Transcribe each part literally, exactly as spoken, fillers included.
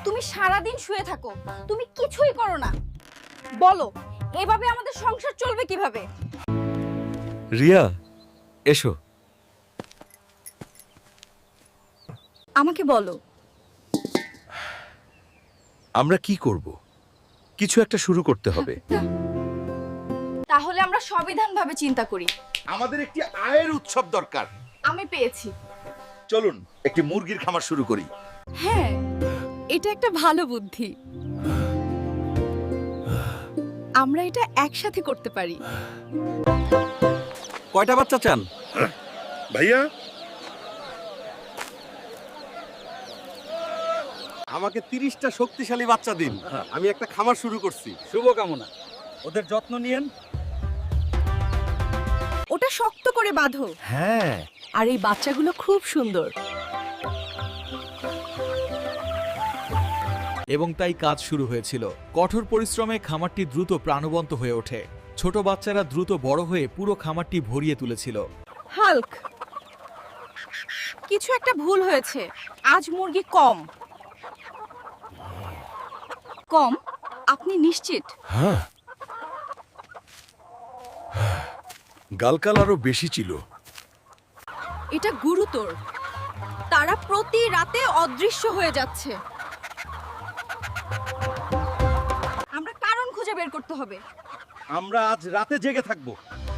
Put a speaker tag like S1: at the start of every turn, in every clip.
S1: তুমি সারা দিন শুয়ে থাকো, তুমি কিছুই করো না। বলো, এভাবে আমাদের সংসার চলবে কিভাবে?
S2: রিয়া, এসো।
S1: আমাকে বলো।
S2: আমরা কি করব? কিছু একটা শুরু করতে হবে।
S1: তাহলে আমরা সংবিধানভাবে চিন্তা করি।
S2: আমাদের একটি আয়ের উৎসব দরকার।
S1: আমি পেয়েছি।
S2: চলুন একটি মুরগির খামার শুরু করি।
S1: হ্যাঁ, এটা একটা ভালো বুদ্ধি। আমরা এটা একসাথে করতে পারি।
S2: কয়টা বাচ্চা চান?
S3: ভাইয়া, আমাকে তিরিশটা শক্তিশালী বাচ্চা দিন। আমি একটা খামার শুরু করছি।
S2: শুভকামনা। ওদের যত্ন নিয়েন।
S1: ওটা শক্ত করে বাঁধো।
S2: হ্যাঁ।
S1: আর এই বাচ্চাগুলো খুব সুন্দর।
S4: এবং তাই কাজ শুরু হয়েছিল। কঠোর পরিশ্রমে খামারটি দ্রুত প্রাণবন্ত হয়ে ওঠে। ছোট বাচ্চারা দ্রুত বড় হয়ে পুরো খামারটি ভরিয়ে তুলেছিল।
S1: হাল্ক, কিছু একটা ভুল হয়েছে। আজ মুরগি কম। কম? আপনি নিশ্চিত?
S3: হ্যাঁ, গালকাল আরো বেশি ছিল।
S1: এটা গুরুতর। তারা প্রতি রাতে অদৃশ্য হয়ে যাচ্ছে। আমরা কারণ খুঁজে বের করতে হবে।
S3: আমরা আজ রাতে জেগে থাকবো।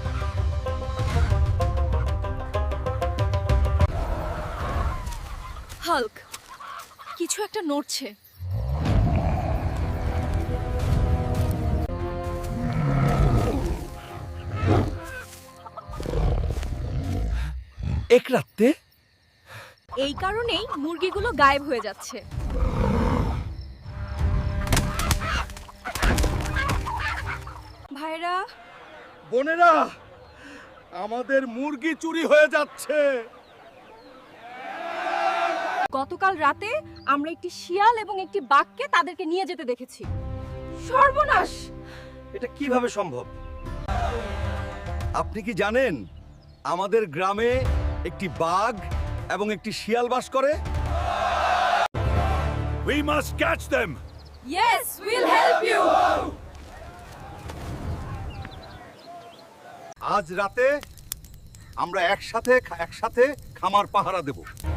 S1: হাল্ক, কিছু একটা নড়ছে।
S2: এক রাতে?
S1: এই কারণেই মুরগিগুলো গায়েব হয়ে যাচ্ছে। ভাইরা,
S3: বোনেরা, আমাদের মুরগি চুরি হয়ে যাচ্ছে।
S1: গতকাল রাতে আমরা একটি শিয়াল এবং একটি বাঘকে তাদেরকে নিয়ে যেতে দেখেছি। সর্বনাশ!
S3: এটা কিভাবে সম্ভব? আপনি কি জানেন আমাদের গ্রামে একটি বাঘ এবং একটি শিয়াল বাস করে? We must catch them.
S1: Yes, we'll help you.
S3: আজ রাতে আমরা একসাথে একসাথে খামার পাহারা দেব।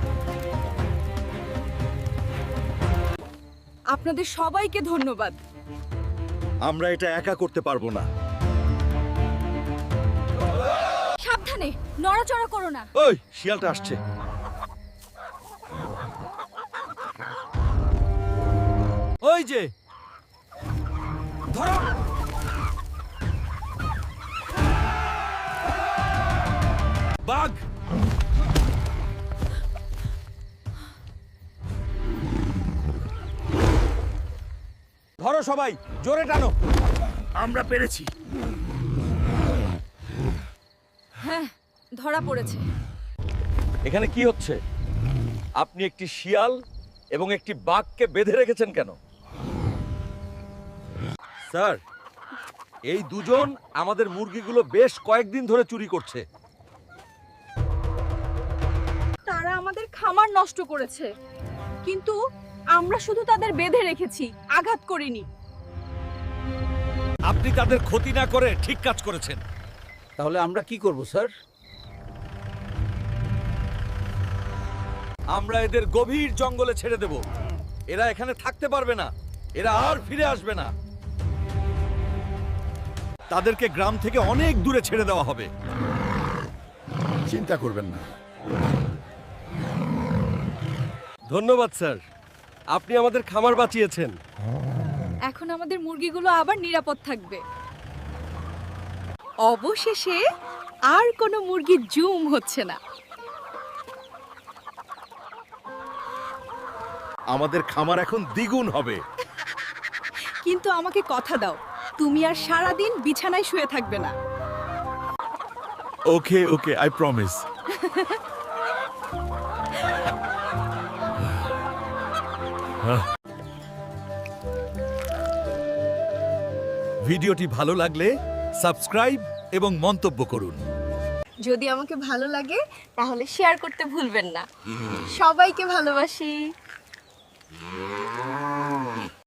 S1: আপনাদের সবাইকে ধন্যবাদ।
S3: আমরা এটা একা করতে পারবো না।
S1: সাবধানে, নড়াচড়া করো না।
S3: ওই শিয়ালটা আসছে।
S2: ওই যে,
S3: ধরো। বাঘ! ধরো সবাই, জোরে টানো। আমরা পেরেছি।
S1: হ্যাঁ, ধরা পড়েছে।
S3: এখানে কি হচ্ছে? আপনি একটি শিয়াল এবং একটি বাঘকে বেঁধে রেখেছেন কেন? স্যার, এই দুজন আমাদের মুরগিগুলো বেশ কয়েকদিন ধরে চুরি করছে।
S1: তারা আমাদের খামার নষ্ট করেছে, কিন্তু আমরা শুধু তাদের বেঁধে রেখেছি, আঘাত করিনি।
S3: আপনি তাদের ক্ষতি না করে ঠিক কাজ করেছেন।
S2: তাহলে আমরা কি করব স্যার?
S3: আমরা এদের গভীর জঙ্গলে ছেড়ে দেব। এরা এখানে থাকতে পারবে না। এরা আর ফিরে আসবে না। তাদেরকে গ্রাম থেকে অনেক দূরে ছেড়ে দেওয়া হবে।
S5: চিন্তা করবেন না।
S3: ধন্যবাদ স্যার, আপনি আমাদের খামার বাঁচিয়েছেন।
S1: এখন আমাদের মুরগিগুলো আবার নিরাপদ থাকবে। অবশেষে আর কোনো মুরগি জুম হচ্ছে না।
S3: আমাদের খামার এখন দ্বিগুণ হবে।
S1: কিন্তু আমাকে কথা দাও, তুমি আর সারা দিন বিছানায় শুয়ে থাকবে না।
S3: Okay okay, I promise. ভিডিওটি ভালো লাগলে সাবস্ক্রাইব এবং মন্তব্য করুন।
S1: যদি আমাকে ভালো লাগে তাহলে শেয়ার করতে ভুলবেন না। সবাইকে ভালোবাসি।